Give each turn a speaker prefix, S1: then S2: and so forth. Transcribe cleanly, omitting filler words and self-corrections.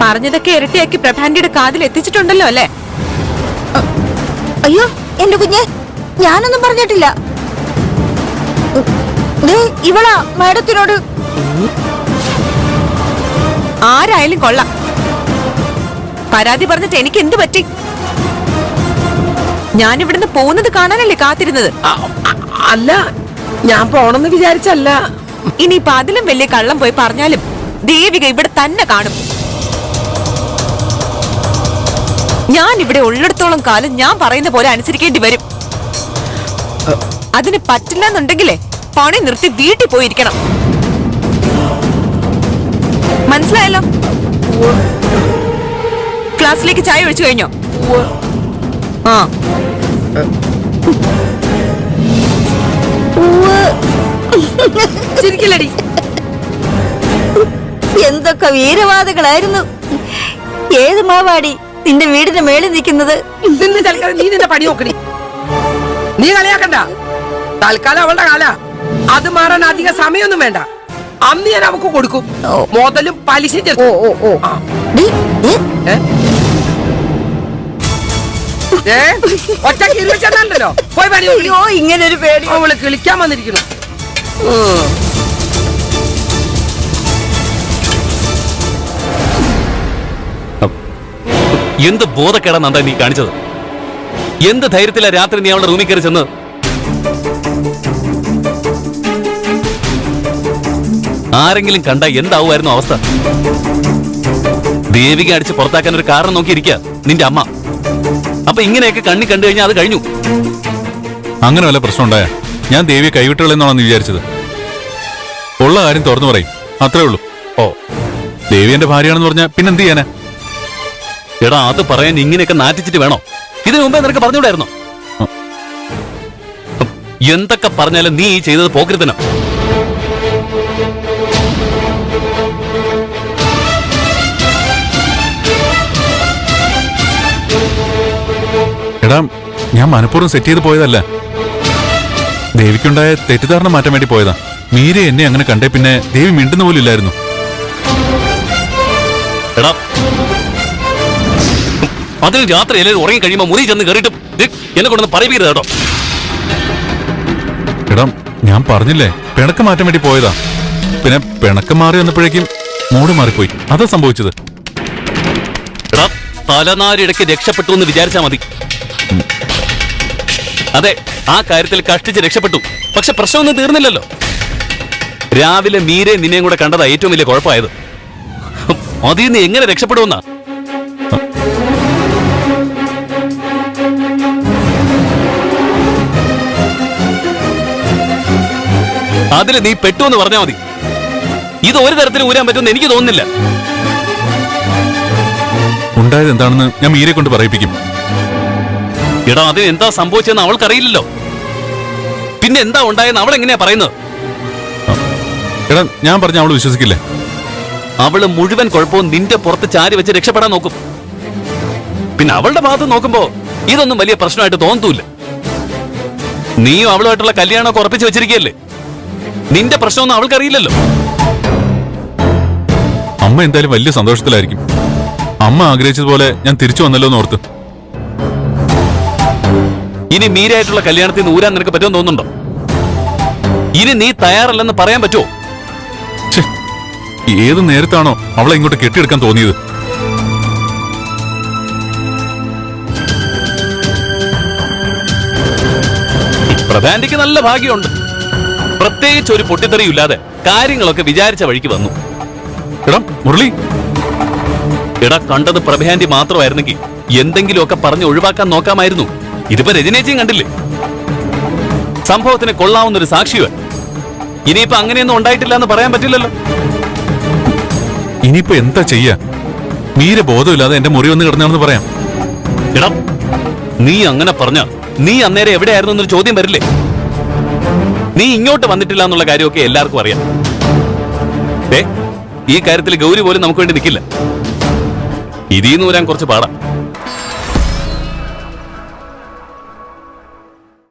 S1: പറഞ്ഞതൊക്കെ ഇരട്ടിയാക്കി പ്രഭാന്റിയുടെ കാതിൽ എത്തിച്ചിട്ടുണ്ടല്ലോ അല്ലേ?
S2: അയ്യോ എന്റെ കുഞ്ഞെ, ഞാനൊന്നും പറഞ്ഞിട്ടില്ല. ഇവളാ മാഡത്തിനോട്.
S1: ആരായാലും കൊള്ളാം. പരാതി പറഞ്ഞിട്ട് എനിക്ക് എന്ത് പറ്റി? ഞാൻ ഇവിടുന്ന് പോകുന്നത് കാണാനല്ലേ കാത്തിരുന്നത്?
S3: അല്ല, ഞാൻ പോണെന്ന് വിചാരിച്ചല്ല.
S1: ഇനിയിപ്പൊ അതിലും വലിയ കള്ളം പോയി പറഞ്ഞാലും ദേവിക ഇവിടെ തന്നെ കാണും. ഞാൻ ഇവിടെ ഉള്ളിടത്തോളം കാലം ഞാൻ പറയുന്ന പോലെ അനുസരിക്കേണ്ടി വരും. അതിന് പറ്റില്ല എന്നുണ്ടെങ്കിലേ പണി നിർത്തി വീട്ടിൽ പോയിരിക്കണം. മനസ്സിലായല്ലോ? ക്ലാസ്സിലേക്ക് ചായ ഒഴിച്ചു കഴിഞ്ഞോ? ആ,
S2: ചിരിക്കില്ലടി. എന്തൊക്കെ വീരവാദികളായിരുന്നു. ഏത് മാവാടി നിന്റെ വീടിന്റെ മേളിൽ നിൽക്കുന്നത്?
S3: നീ നിന്റെ പണി നോക്കണി. നീ കളിയാക്കണ്ട. തൽക്കാലം അവളുടെ കാല. അത് മാറാൻ അധിക സമയമൊന്നും വേണ്ട. അന്ന് ഞാൻ അവക്ക് കൊടുക്കും. മുതലും പലിശ. ഒറ്റ കിരുവച്ചല്ലോ. പോയി പണി.
S2: ഇങ്ങനെ ഒരു പേടി.
S3: അവള് കിളിക്കാൻ വന്നിരിക്കുന്നു.
S4: എന്ത് ബോധക്കേടാ നന്ദ നീ കാണിച്ചത്? എന്ത് ധൈര്യത്തിലാ രാത്രി നീ അവളുടെ റൂമിൽ കയറി ചെന്ന്? ആരെങ്കിലും കണ്ട എന്താവുമായിരുന്നു അവസ്ഥ? ദേവിക അടിച്ച് പുറത്താക്കാൻ ഒരു കാരണം നോക്കിയിരിക്കുക നിന്റെ അമ്മ. അപ്പൊ ഇങ്ങനെയൊക്കെ കണ്ണി കണ്ടു കഴിഞ്ഞാൽ അത് കഴിഞ്ഞു.
S5: അങ്ങനെ വല്ല പ്രശ്നം ഉണ്ടായ ഞാൻ ദേവിയെ കൈവിട്ടുകളെന്നാണെന്ന് വിചാരിച്ചത്. ഉള്ള കാര്യം തുറന്നു പറയും, അത്രേ ഉള്ളൂ.
S4: ഓ,
S5: ദേവി എന്റെ ഭാര്യയാണെന്ന് പറഞ്ഞാൽ പിന്നെന്ത് ചെയ്യാനാ?
S4: എടാ, അത് പറയാൻ ഇങ്ങനെയൊക്കെ നാറ്റിച്ചിട്ട് വേണോ? ഇതിനു മുമ്പേ നിനക്ക് പറഞ്ഞുകൂടായിരുന്നോ? എന്തൊക്കെ പറഞ്ഞാലും നീ ചെയ്തത് പോക്കരുതനോ?
S5: എടാ, ഞാൻ മനഃപൂർവ്വം സെറ്റ് ചെയ്ത് പോയതല്ല. ദേവിക്കുണ്ടായ തെറ്റിദ്ധാരണ മാറ്റാൻ വേണ്ടി പോയതാ. മീര എന്നെ അങ്ങനെ കണ്ടേ പിന്നെ ദേവി മിണ്ടുന്ന പോലും ഇല്ലായിരുന്നു.
S4: എടാ, അതിന് രാത്രി എല്ലാവരും ഉറങ്ങി കഴിയുമ്പോ മുറി ചെന്ന് കയറിയിട്ടും എന്നെ കൊണ്ടൊന്ന് പറയിപ്പിക്കരുത് കേട്ടോ.
S5: എടാ, ഞാൻ പറഞ്ഞില്ലേ പിണക്കം മാറ്റാൻ വേണ്ടി പോയതാ. പിന്നെ പിണക്കം മാറി വന്നപ്പോഴേക്കും മൂട് മാറിപ്പോയി. അതാ സംഭവിച്ചത്.
S4: എടാ, തലനാരിടയ്ക്ക് രക്ഷപ്പെട്ടു എന്ന് വിചാരിച്ചാ മതി. അതെ, ആ കാര്യത്തിൽ കഷ്ടിച്ച് രക്ഷപ്പെട്ടു. പക്ഷെ പ്രശ്നമൊന്നും തീർന്നില്ലല്ലോ. രാവിലെ മീരെ നിന്നെയും കൂടെ കണ്ടതാ ഏറ്റവും വലിയ കുഴപ്പമായത്. അതിൽ നിന്ന് എങ്ങനെ രക്ഷപ്പെടുമെന്നാ? അതില് നീ പെട്ടു എന്ന് പറഞ്ഞാൽ മതി. ഇത് ഒരു തരത്തിൽ ഊരാൻ പറ്റുമെന്ന് എനിക്ക് തോന്നുന്നില്ല.
S5: ഉണ്ടായത് എന്താണെന്ന് ഞാൻ മീരെ കൊണ്ട് പറയിപ്പിക്കും.
S4: എടാ, അതിന് എന്താ സംഭവിച്ചതെന്ന് അവൾക്കറിയില്ലല്ലോ. പിന്നെ എന്താ ഉണ്ടായെന്ന് അവൾ എങ്ങനെയാ പറയുന്നത്?
S5: എടാ, ഞാൻ പറഞ്ഞ അവള് വിശ്വസിക്കില്ലേ?
S4: അവള് മുഴുവൻ കുഴപ്പവും നിന്റെ പുറത്ത് ചാരി വെച്ച് രക്ഷപ്പെടാൻ നോക്കും. പിന്നെ അവളുടെ ഭാഗത്ത് നോക്കുമ്പോ ഇതൊന്നും വലിയ പ്രശ്നമായിട്ട് തോന്നത്തൂല്ല. നീയും അവളുമായിട്ടുള്ള കല്യാണമൊക്കെ ഉറപ്പിച്ച് വെച്ചിരിക്കുകയല്ലേ. നിന്റെ പ്രശ്നമൊന്നും അവൾക്കറിയില്ലല്ലോ.
S5: അമ്മ എന്തായാലും വലിയ സന്തോഷത്തിലായിരിക്കും. അമ്മ ആഗ്രഹിച്ചതുപോലെ ഞാൻ തിരിച്ചു വന്നല്ലോ എന്ന് ഓർത്ത്.
S4: ഇനി മീരായിട്ടുള്ള കല്യാണത്തിൽ നിന്ന് ഊരാൻ നിനക്ക് പറ്റുമെന്ന് തോന്നുന്നുണ്ടോ? ഇനി നീ തയ്യാറല്ലെന്ന് പറയാൻ പറ്റുമോ?
S5: ഏത് നേരത്താണോ അവളെ ഇങ്ങോട്ട് കെട്ടിയെടുക്കാൻ തോന്നിയത്?
S4: പ്രധാനിക്ക് നല്ല ഭാഗ്യമുണ്ട്. പ്രത്യേകിച്ച് ഒരു പൊട്ടിത്തെറിയില്ലാതെ കാര്യങ്ങളൊക്കെ വിചാരിച്ച വഴിക്ക് വന്നു.
S5: എടാ മുരളി,
S4: എടാ, കണ്ടത് പ്രഭാന്റി മാത്രമായിരുന്നെങ്കിൽ എന്തെങ്കിലുമൊക്കെ പറഞ്ഞ് ഒഴിവാക്കാൻ നോക്കാമായിരുന്നു. ഇതിപ്പോ രജനേച്ചിയും കണ്ടില്ലേ? സംഭവത്തിന് കൊള്ളാവുന്നൊരു സാക്ഷിയോ. ഇനിയിപ്പോ അങ്ങനെയൊന്നും ഉണ്ടായിട്ടില്ല എന്ന് പറയാൻ പറ്റില്ലല്ലോ.
S5: ഇനിയിപ്പോ എന്താ ചെയ്യാ? മീര ബോധമില്ലാതെ എന്റെ മുറി വന്ന് കിടന്നാണെന്ന് പറയാം.
S4: എടാ, നീ അങ്ങനെ പറഞ്ഞ നീ അന്നേരം എവിടെയായിരുന്നു എന്നൊരു ചോദ്യം വരില്ലേ? നീ ഇങ്ങോട്ട് വന്നിട്ടില്ല എന്നുള്ള കാര്യമൊക്കെ എല്ലാവർക്കും അറിയാം. ഈ കാര്യത്തിൽ ഗൗരി പോലും നമുക്ക് വേണ്ടി നിൽക്കില്ല. ഇതിൽ നിന്ന് വരാൻ കുറച്ച് പാടാ.